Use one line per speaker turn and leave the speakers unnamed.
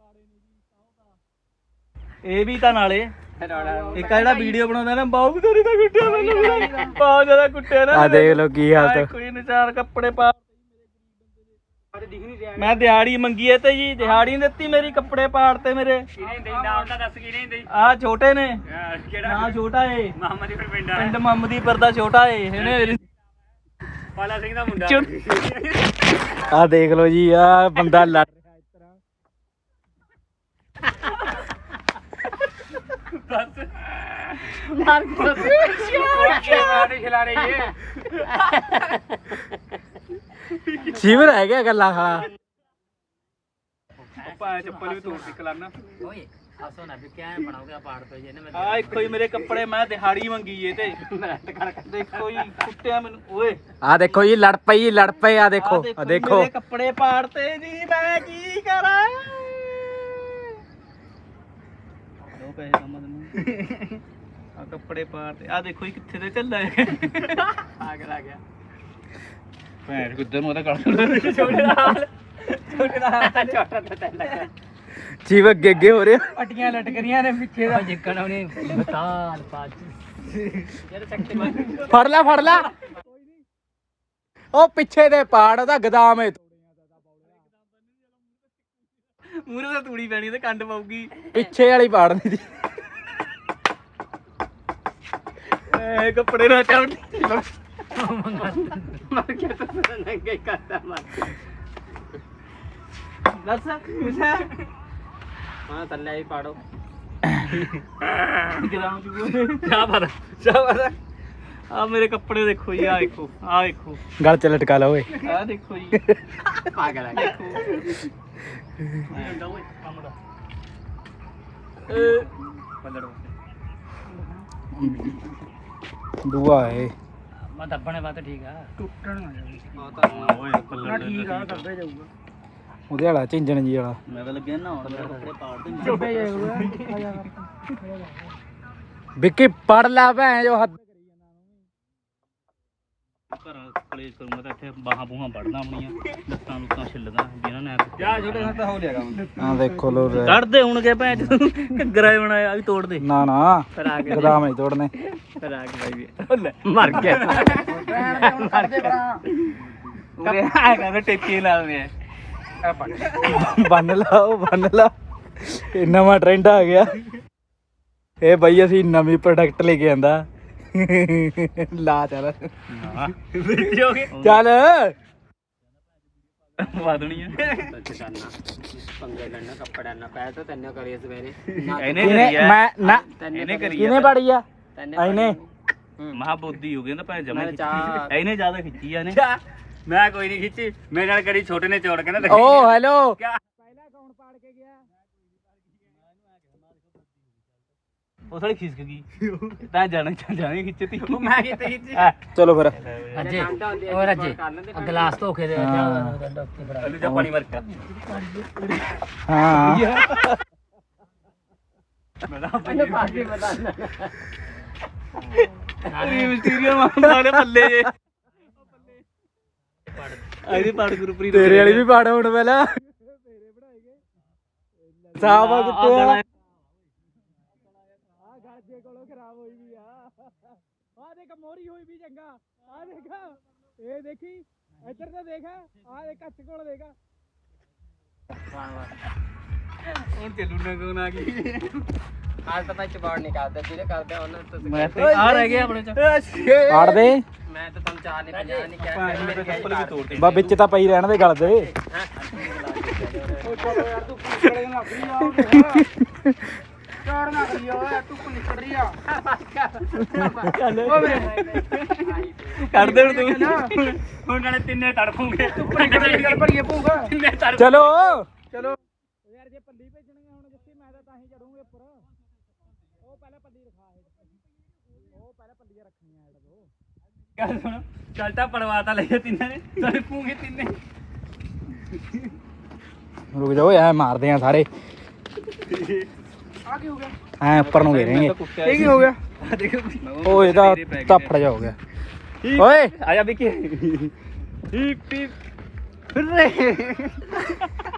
ਇਹ ਵੀ ਤਾਂ ਨਾਲੇ ਇੱਕ ਜਿਹੜਾ ਵੀਡੀਓ ਬਣਾਉਂਦਾ ਨਾ ਬਾਹੂ ਵੀ ਤੋਰੀ ਤਾਂ ਕੁੱਟਿਆ ਮੈਨੂੰ ਬਹੁਤ ਜ਼ਿਆਦਾ ਕੁੱਟਿਆ ਨਾ।
ਆ ਦੇਖ ਲੋ ਕੀ ਹਾਲਤ।
ਕੋਈ ਨੀ ਚਾਰ ਕੱਪੜੇ ਪਾ ਮੈਂ ਦਿਹਾੜੀ ਮੰਗੀ ਐ ਤੇ ਜੀ ਦਿਹਾੜੀ ਨੀ ਦਿੱਤੀ ਮੇਰੀ, ਕੱਪੜੇ ਪਾੜਤੇ ਮੇਰੇ। ਆ ਛੋਟੇ ਨੇ ਨਾ ਛੋਟਾ ਏ ਪਿੰਡ ਮੁਹੰਮਦੀਪੁਰ ਦਾ ਛੋਟਾ ਏ ਇਹਨੇ ਪਾਲਾ ਸਿੰਘ ਦਾ ਮੁੰਡਾ।
ਆ ਦੇਖ ਲੋ ਜੀ ਆ ਬੰਦਾ ਲੜ ਸ਼ਿਵ ਰਹਿ ਗਿਆ ਗੱਲਾਂ ਖਾ
ਚੱਪਲ ਵੀ ਤੋੜਦੀ ਕਲਾਨਾ ਆ ਇੱਕੋ ਹੀ ਮੇਰੇ ਕੱਪੜੇ ਮੈਂ ਦਿਹਾੜੀ ਮੰਗੀ ਏ ਤੇ ਦੇਖੋ ਜੀ ਕੁੱਟਿਆ ਮੈਨੂੰ ਓਏ।
ਆ ਦੇਖੋ ਜੀ ਲੜ ਪਈ ਆ ਦੇਖੋ ਆ ਦੇਖੋ
ਮੇਰੇ ਕੱਪੜੇ ਪਾੜਤੇ ਜੀ ਮੈਂ ਕੀ ਕਰਾਂ। ਦੋ ਪੈਸੇ ਸਮਝ ਨੂੰ ਆ ਕੱਪੜੇ ਪਾੜਤੇ ਆ ਦੇਖੋ ਜੀ ਕਿੱਥੇ ਤੇ ਚੱਲਾ ਆ ਗਿਆ ਭੈਣ ਕਿੱਧਰ ਨੂੰ ਉਹਦਾ ਕੱਢ ਛੋਟੇ ਨਾਲ ਛੋਟਾ ਤੇ ਲੱਗਾ
ਸ਼ਿਵ ਅੱਗੇ ਹੋ ਰਿਹਾ।
ਪੱਟੀਆਂ ਲਟਕਰੀਆਂ ਨੇ ਪਿੱਛੇ ਦਾ ਜਿੱਕਣ ਉਹਨੇ ਬਤਾਲ ਪਾਜ ਯਾਰ ਚੱਕੇ
ਫੜ ਲੈ ਉਹ ਪਿੱਛੇ ਦੇ ਪਾੜ ਉਹਦਾ ਗਦਾਮ ਏ
ਮੂਰੇ ਤਾਂ ਤੂੜੀ ਪੈਣੀ ਤੇ ਕੰਡ ਪਾਉਗੀ
ਪਿੱਛੇ ਵਾਲੀ ਪਾੜਨੀ ਦੀ
ਐ ਕੱਪੜੇ ਨਾ ਚਾਉਣ ਮਰ ਕੇ ਤਾਂ ਨੰਗੇ ਕਰਦਾ ਮਰ ਦੱਸ ਕੁਛ ਹੈ ਹਾਂ ਥੱਲੇ ਹੀ ਪਾੜੋ ਗਰਾਮ ਚਾਹ ਆ ਮੇਰੇ ਕੱਪੜੇ ਦੇਖੋ ਜੀ ਆ ਦੇਖੋ
ਗਲ ਚ ਲਟਕਾ ਲਾ ਓਏ।
ਆ ਦੇਖੋ ਜੀ ਪਾਗਲ ਆ ਦੇਖੋ
ਦੂਆ ਏ
ਮੈਂ ਦੱਬਣੇ ਬਾਤ ਠੀਕ ਆ ਟੁੱਟਣ ਆ ਜਾਊਗਾ ਓਏ ਪੱਲੜ ਠੀਕ ਆ ਦੱਬੇ ਜਾਊਗਾ
ਉਹਦੇ ਵਾਲਾ ਝਿੰਜਣ ਜੀ ਵਾਲਾ
ਮੈਂ ਤਾਂ ਲੱਗਿਆ ਨਾ ਹੁਣ ਕੱਪੜੇ ਪਾੜ ਦੇ ਦੱਬੇ ਜਾਊਗਾ
ਵਿੱਕੀ ਪੜ ਲਾ ਭੈਣ ਜੋ ਹੱਦ
ਘਰਾਂ ਕਲੇਸ਼ ਕਰੂੰਗਾ ਤਾਂ ਇੱਥੇ ਬਾਹਾਂ ਬੂਹਾਂ ਵੜਦਾ ਆਪਣੀਆਂ ਲੱਤਾਂ ਲੁੱਤਾਂ ਛਿੱਲਦਾ ਜਿਹਨਾਂ ਨੇ ਜਾ ਛੋਟੇ ਨਾਲ ਤਾਂ ਹੋ ਲਿਆ ਕੰਮ
ਆ ਦੇਖੋ ਲੋ
ਕੱਢਦੇ ਹੋਣਗੇ ਭੈਣ ਘੱਗਰਾ ਬਣਾਇਆ ਆ ਵੀ ਤੋੜ ਦੇ
ਨਾ
ਫਿਰ ਆ ਕੇ
ਗਦਾਮ ਨਹੀਂ ਤੋੜਨੇ
ਫਿਰ ਆ ਕੇ ਬਾਈ ਮਰ ਗਿਆ ਉਰੇ ਆ ਕਹਿੰਦਾ ਟੇਪੀ ਲਾਉਂਦੇ ਆ
ਬੰਨ ਲਾ ਇਹ ਨਵਾਂ ਟ੍ਰੈਂਡ ਆ ਗਿਆ। ਇਹ ਬਈ ਅਸੀਂ ਨਵੀਂ ਪ੍ਰੋਡਕਟ ਲੈ ਕੇ ਆਂਦਾ ਲਾ ਚੱਲ ਚੱਲ
ਵਾਦਣੀ ਆ
ਪੰਗੇ ਲੈਣਾ ਕੱਪੜਾ ਨਾ ਪੈ ਤਾਂ ਤੈਨੂੰ ਕਰੀਏ ਸਵੇਰੇ
ਇਹਨੇ ਕਰੀ
ਕਿਨੇ ਪੜੀ ਆ ਇਹਨੇ
ਮਹਾਬੋਧੀ ਹੋ ਗਈ ਨਾ ਭੈਣ ਜਮਾ ਇਹਨੇ ਜ਼ਿਆਦਾ ਖਿੱਚੀ ਆ ਨੇ
ਮੈਂ ਕੋਈ ਨਹੀਂ ਖਿੱਚੀ ਮੇਰੇ ਨਾਲ ਕਰੀ ਛੋਟੇ ਨੇ ਚੋੜ ਕੇ ਨਾ
ਓ ਹੈਲੋ
ਪਹਿਲਾਂ ਕੌਣ ਪਾੜ ਕੇ ਗਿਆ ਉਹ ਥੋੜੀ ਖਿਸਕ ਗਈ ਤਾਂ ਜਾਣੇ ਖਿੱਚਤੀ
ਮੈਂ ਕਿਤੇ ਖਿੱਚੀ
ਚਲੋ ਫਿਰ
ਅੱਜੇ ਹੋਰ ਅੱਜੇ ਗਲਾਸ ਧੋ ਕੇ ਦੇ
ਜਾ ਪਾਣੀ ਮਾਰ ਕੇ
ਹਾਂ
ਮਿਸਟੀਰੀਅਲ ਮਾਰੇ ਪੱਲੇ ਜੇ ਆਈਦੀ ਪਾੜ ਗੁਰਪ੍ਰੀਤ
ਤੇਰੇ ਵਾਲੀ ਵੀ ਪਾੜ ਹੁਣ ਪਹਿਲਾਂ ਸਾਵਾ ਕਿੱਥੇ ਆ ਗਾਜੇ ਕੋਲੋਂ ਖਰਾਬ ਹੋਈ ਵੀ ਆ ਦੇਖ ਮੋਰੀ ਹੋਈ ਵੀ ਚੰਗਾ ਆ ਦੇਖ ਇਹ ਦੇਖੀ ਇੱਧਰ ਤਾਂ ਦੇਖ ਆ ਦੇਖ ਕੱਚ ਕੋਲ ਦੇਖ
ਹੁਣ ਚੱਲੂ ਨਾ ਕੋਣ ਆ ਗਈ
आज तो मैं चबाड़ नहीं करता सीधे करते हैं उन्होंने
ਮੈਂ ਤੇ ਆ ਰਹਿ ਗਿਆ ਆਪਣੇ ਚ
ਪਾੜ ਦੇ
मैं तो तुम चार नहीं पजा नहीं क्या
ਭਾਂ ਮੇਰੇ ਚੱਪਲ ਵੀ ਤੋੜਦੇ
ਬਾ ਵਿੱਚ ਤਾਂ ਪਈ ਰਹਿਣ ਦੇ ਗਲ ਦੇ
चोर ना करियो तू को निकल रही है
ਕੱਢ ਦੇ ਹੁਣ ਤੂੰ ਹੁਣ ਨਾਲੇ ਤਿੰਨੇ ਤੜਫੂਗੇ
पर ये पूगा
ਤਿੰਨੇ ਤੜਫ
ਚਲੋ
चलो
ਯਾਰ ਜੇ ਪੱਲੀ ਭੇਜਣਗੇ ਹੁਣ ਜਿੱਥੇ ਮੈਂ ਤਾਂ ਹੀ ਚੜੂਗੇ ਉੱਪਰ ਉਹ ਪਹਿਲਾਂ ਪੱਲੀ ਰਖਾ ਉਹ ਪਹਿਲਾਂ ਪੱਲੀਆਂ ਰੱਖਣੀਆਂ ਐਡ ਦੋ ਗੱਲ ਸੁਣ ਚਲਟਾ ਪੜਵਾਤਾ ਲਈਏ ਤਿੰਨਾਂ ਨੇ ਤੜਫੂਗੇ ਤਿੰਨੇ
ਰੁਕ ਜਾਓ ਐ ਮਾਰਦੇ ਆ ਸਾਰੇ
आगे हो गया
ਐ ਉੱਪਰ ਨੂੰ ਘੇਰੇਂਗੇ
ये की हो गया
ਉਹ ਇਹਦਾ ਧੱਫੜ ਜਾ ਹੋ ਗਿਆ ਓਏ
ਆਇਆ ਵੀ ਕੀ ਹੀਪ ਹੀਪ